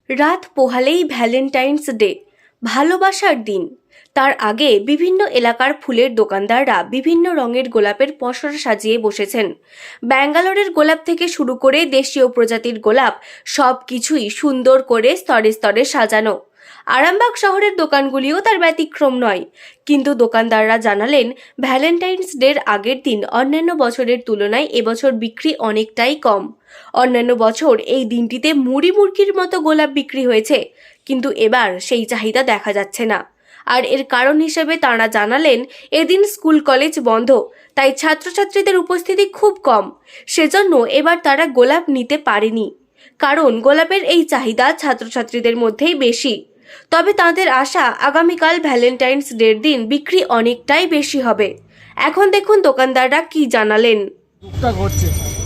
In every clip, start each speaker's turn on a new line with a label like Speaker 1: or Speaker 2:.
Speaker 1: রাত পোহালেই Valentine's day, ভালোবাসার দিন। তার আগে বিভিন্ন এলাকার ফুলের দোকানদাররা বিভিন্ন রঙের গোলাপের পসরা সাজিয়ে বসেছেন। ব্যাঙ্গালোরের গোলাপ থেকে শুরু করে দেশীয় প্রজাতির গোলাপ সব কিছুই সুন্দর করে স্তরে স্তরে সাজানো। আরামবাগ শহরের দোকানগুলিও তার ব্যতিক্রম নয়, কিন্তু দোকানদাররা জানালেন ভ্যালেন্টাইন্স ডের আগের দিন অন্যান্য বছরের তুলনায় এবছর বিক্রি অনেকটাই কম। অন্যান্য বছর এই দিনটিতে মুড়ি মুড়কির মতো গোলাপ বিক্রি হয়েছে, কিন্তু এবার সেই চাহিদা দেখা যাচ্ছে না। আর এর কারণ হিসেবে তাঁরা জানালেন এদিন স্কুল কলেজ বন্ধ, তাই ছাত্রছাত্রীদের উপস্থিতি খুব কম। সেজন্য এবার তারা গোলাপ নিতে পারেনি, কারণ গোলাপের এই চাহিদা ছাত্রছাত্রীদের মধ্যেই বেশি। তবে তাদের আশা আগামীকাল ভ্যালেন্টাইন্স ডের দিন বিক্রি অনেকটাই বেশি হবে। এখন দেখুন দোকানদাররা কি জানালেন।
Speaker 2: টুকটাক হচ্ছে।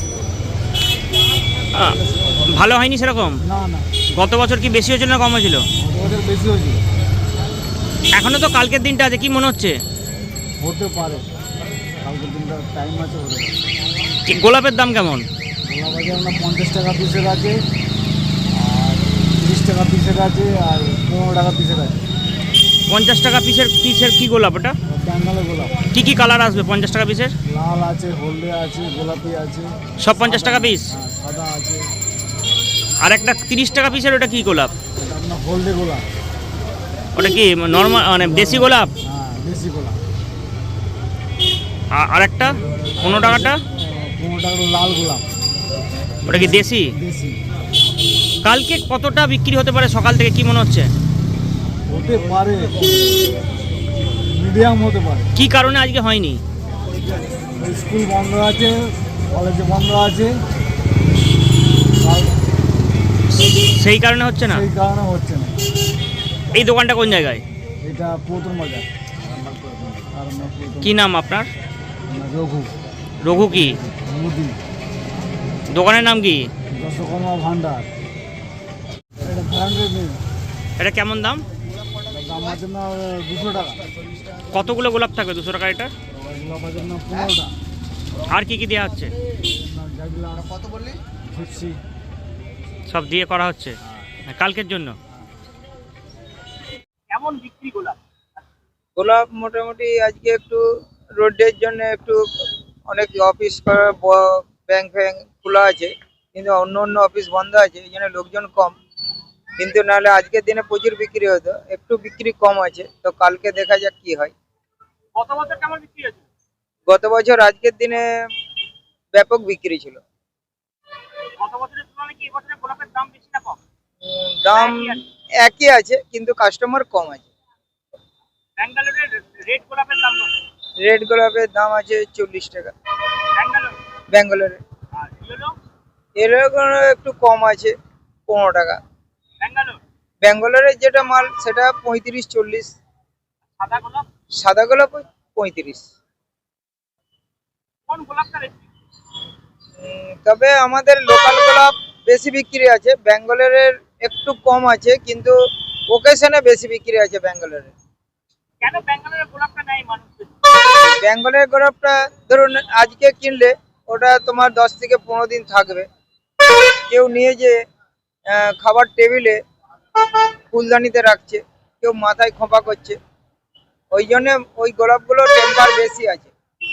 Speaker 3: ভালো হয়নি সেরকম?
Speaker 2: না না,
Speaker 3: গত বছর কি বেশি হয়েছিল না কম হয়েছিল?
Speaker 2: ওদের বেশি হয়েছিল।
Speaker 3: এখনো তো কালকের দিনটা আছে, কি মনে হচ্ছে?
Speaker 2: হতে পারে, কালকের দিনটা টাইম আছে, হতে পারে।
Speaker 3: গোলাপের দাম কেমন?
Speaker 2: গোলাপ আছে আপনার 50 টাকা পিসের আছে, আর 30 টাকা পিসের আছে, আর 15 টাকা পিসের আছে।
Speaker 3: 50 টাকা পিসের পিসের কি গোলাপ ওটা?
Speaker 2: ব্যাঙ্গালোর গোলাপ।
Speaker 3: কি কি কালার আসবে 50 টাকা পিসের?
Speaker 2: লাল আছে, হলদে আছে, গোলাপি আছে।
Speaker 3: সব 50 টাকা পিস?
Speaker 2: হ্যাঁ, সাদা আছে।
Speaker 3: আর একটা 30 টাকা পিসের ওটা কি গোলাপ?
Speaker 2: এটা আপনার হলদে গোলাপ।
Speaker 3: ওটা কি নর্মাল মানে দেশি গোলাপ?
Speaker 2: হ্যাঁ, দেশি গোলাপ।
Speaker 3: আর একটা 15 টাকাটা?
Speaker 2: 15 টাকা লাল গোলাপ।
Speaker 3: ওটা কি দেশি?
Speaker 2: দেশি।
Speaker 3: কালকে কতটা বিক্রি হতে পারে সকাল থেকে, কি মনে হচ্ছে?
Speaker 2: হতে পারে, মিডিয়াম হতে পারে।
Speaker 3: কি কারণে আজকে হয়নি?
Speaker 2: স্কুল বন্ধ আছে, কলেজ বন্ধ আছে,
Speaker 3: সেই কারণে হচ্ছে না?
Speaker 2: সেই কারণে হচ্ছে না।
Speaker 3: এই দোকানটা কোন জায়গায়?
Speaker 2: এটা প্রথম বাজার। আর
Speaker 3: কি নাম আপনার?
Speaker 2: রঘু।
Speaker 3: রঘু কি
Speaker 2: মুদি,
Speaker 3: দোকানের নাম কি?
Speaker 2: দশকর্মা ভান্ডার। এটা ব্র্যান্ডেড নেই।
Speaker 3: এটা কেমন দাম?
Speaker 2: দাম আছে না 200 টাকা।
Speaker 3: কতগুলো গোলাপ থাকবে 200 টাকা এটা?
Speaker 2: গোলাপ আছে না 15টা।
Speaker 3: আর কি কি দেওয়া হচ্ছে?
Speaker 2: কত বললি? 50।
Speaker 3: সব দিয়ে করা হচ্ছে কালকের জন্য। কেমন বিক্রি গোলাপ?
Speaker 4: গোলাপ মোটামুটি আজকে একটু রোডের জন্য একটু অনেক অফিস ব্যাংক ফ্যাংক খোলা আছে, কিন্তু অন্য অন্য অফিস বন্ধ আছে, এই জন্য লোকজন কম। কিন্তু নাহলে আজকের দিনে প্রচুর বিক্রি হতো, একটু বিক্রি কম আছে, তো কালকে দেখা যাক কি হয়।
Speaker 3: গত বছর কেমন বিক্রি হয়েছে?
Speaker 4: গত বছর আজকের দিনে ব্যাপক বিক্রি ছিল।
Speaker 3: গত বছরের তুলনায় কি এবছরের গোলাপের দাম বেশি না কম?
Speaker 4: দাম একই আছে, কিন্তু কাস্টমার কম আছে।
Speaker 3: ব্যাঙ্গালোরের রেড গোলাপের দাম কত?
Speaker 4: রেড গোলাপের দাম আছে 40 টাকা
Speaker 3: ব্যাঙ্গালোর।
Speaker 4: ব্যাঙ্গালোরে।
Speaker 3: আর ইয়েলো?
Speaker 4: এরকম একটু কম আছে, 15 টাকা।
Speaker 3: ব্যাঙ্গালোর।
Speaker 4: ব্যাঙ্গালোরের যেটা মাল সেটা 35-40।
Speaker 3: সাদা গোলাপ?
Speaker 4: সাদা গোলাপ 35।
Speaker 3: কোন গোলাপটা বেশি?
Speaker 4: তবে আমাদের লোকাল গোলাপ বেশি বিক্রি আছে, ব্যাঙ্গালোরের একটু কম আছে, কিন্তু ওকেশনে বেশি বিক্রি আছে ব্যাঙ্গালোরে।
Speaker 3: কেন ব্যাঙ্গালোরের গোলাপটা নেয় মানুষ?
Speaker 4: ব্যাঙ্গালোরের গোলাপটা ধরুন আজকে কিনলে ওটা তোমার 10 থেকে 15 দিন থাকবে। কেউ নিয়ে যে খাবার টেবিলে ফুলদানিতে রাখছে, কেউ মাথায় খোঁপা করছে, ওই জন্য ওই গোলাপগুলো টেম্পার বেশি আছে।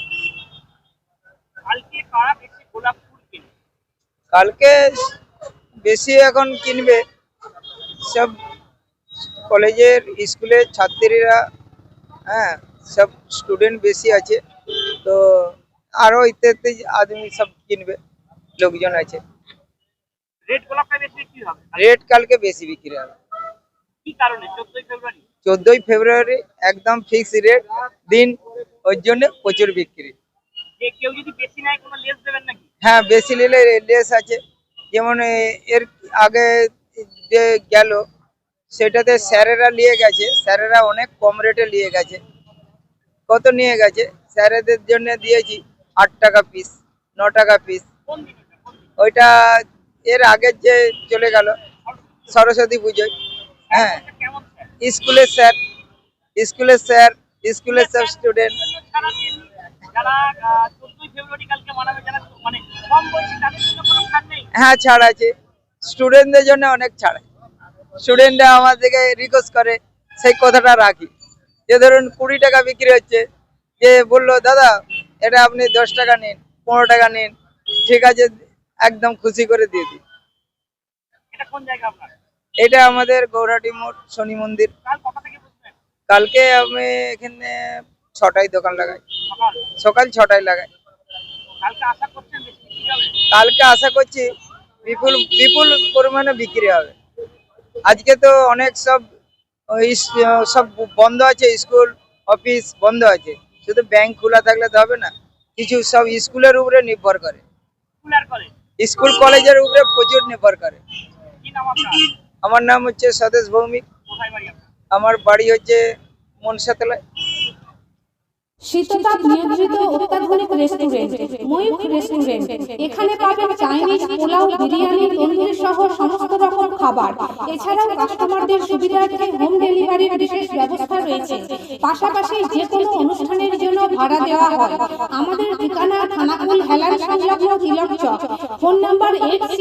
Speaker 3: কালকে কারা বেশি গোলাপ ফুল কিনে?
Speaker 4: কালকে বেশি এখন কিনবে সব কলেজের স্কুলের ছাত্রীরা। হ্যাঁ, সব স্টুডেন্ট বেশি আছে, তো আরো ইত্যাদি আদমি সব কিনবে, লোকজন আছে।
Speaker 3: রেড গোলাপটা বেশি বিক্রি হবে?
Speaker 4: রেট কালকে বেশি বিক্রি হবে।
Speaker 3: কি কারণে? 14 ফেব্রুয়ারি।
Speaker 4: 14 ফেব্রুয়ারি একদম ফিক্স রেট দিন, ওই জন্য প্রচুর বিক্রি।
Speaker 3: যে কেউ যদি বেশি নেয় কোনো লেস দেবেন নাকি?
Speaker 4: হ্যাঁ, বেশি নিলে লেস আছে। যেমন এর আগে যে গেল সেটাতে স্যারেরা নিয়ে গেছে, স্যারেরা অনেক কম রেটে নিয়ে গেছে। কত নিয়ে গেছে? স্যারেদের জন্য দিয়েছি 8 টাকা পিস, 9 টাকা পিস।
Speaker 3: কোন দিন?
Speaker 4: ওইটা এর আগের যে চলে গেল সরস্বতী পুজোয়। হ্যাঁ,
Speaker 3: কেমন স্যার?
Speaker 4: স্কুলের স্যার, স্কুলের স্যার, স্কুলের সব স্টুডেন্ট।
Speaker 3: যারা 14 ফেব্রুয়ারি কালকে মানাবে, যারা মানে কম বয়সী, তাদের জন্য কোনো ছাড় নেই?
Speaker 4: হ্যাঁ, ছাড় আছে, স্টুডেন্টদের জন্য অনেক ছাড় আছে। স্টুডেন্টরা আমাদেরকে রিকোয়েস্ট করে সেই কথাটা রাখি। যে ধরুন 20 টাকা বিক্রি হচ্ছে, যে বললো দাদা এটা আপনি 10 টাকা নিন, 15 টাকা নিন, ঠিক আছে, একদম খুশি করে দিয়ে দিই।
Speaker 3: এটা কোন জায়গা আপনার?
Speaker 4: এটা আমাদের গৌরাটি মোড় শনি মন্দির।
Speaker 3: কাল কটা থেকে বসবেন?
Speaker 4: কালকে আমি এখানে 6টায় দোকান লাগাই,
Speaker 3: সকাল।
Speaker 4: সকাল 6টায় লাগাই।
Speaker 3: কালকে আশা করছেন বেশি বিক্রি হবে?
Speaker 4: কালকে আশা করছি বিপুল বিপুল পরিমাণে বিক্রি হবে। আজকে তো অনেক সব সব বন্ধ আছে, স্কুল অফিস বন্ধ আছে, শুধু ব্যাংক খোলা থাকলে তো হবে না, কিছু সব স্কুলের উপরে নির্ভর করে,
Speaker 3: কুলার করে।
Speaker 4: স্কুল কলেজের উপরে প্রচুর নির্ভর করে।
Speaker 3: কি নাম আপনার?
Speaker 4: আমার নাম হচ্ছে স্বদেশ ভৌমিক,
Speaker 3: কোথায় বাড়ি আপনার?
Speaker 4: আমার বাড়ি হচ্ছে মনসাতলায়।
Speaker 5: শীততাপ নিয়ন্ত্রিত অত্যাধুনিক রেস্টুরেন্ট ময়ূখ রেস্টুরেন্ট। এখানে পাবেন চাইনিজ, পোলাও, বিরিয়ানি, তন্দুরি সহ সমস্ত রকম খাবার। এছাড়াও কাস্টমারদের সুবিধার্থে হোম ডেলিভারির বিশেষ ব্যবস্থা রয়েছে। পাশাপাশি যে কোনো অনুষ্ঠানের জন্য ভাড়া দেওয়া হয়। আমাদের ঠিকানা থানাকুল হেলান সংলগ্ন তিলক চক। Phone number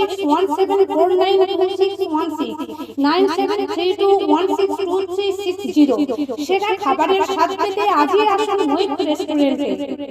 Speaker 5: 8617492616 9732162360। সেরা খাবারের স্বাদ পেতে আজই আসুন ময়ূখ রেস্টুরেন্টে।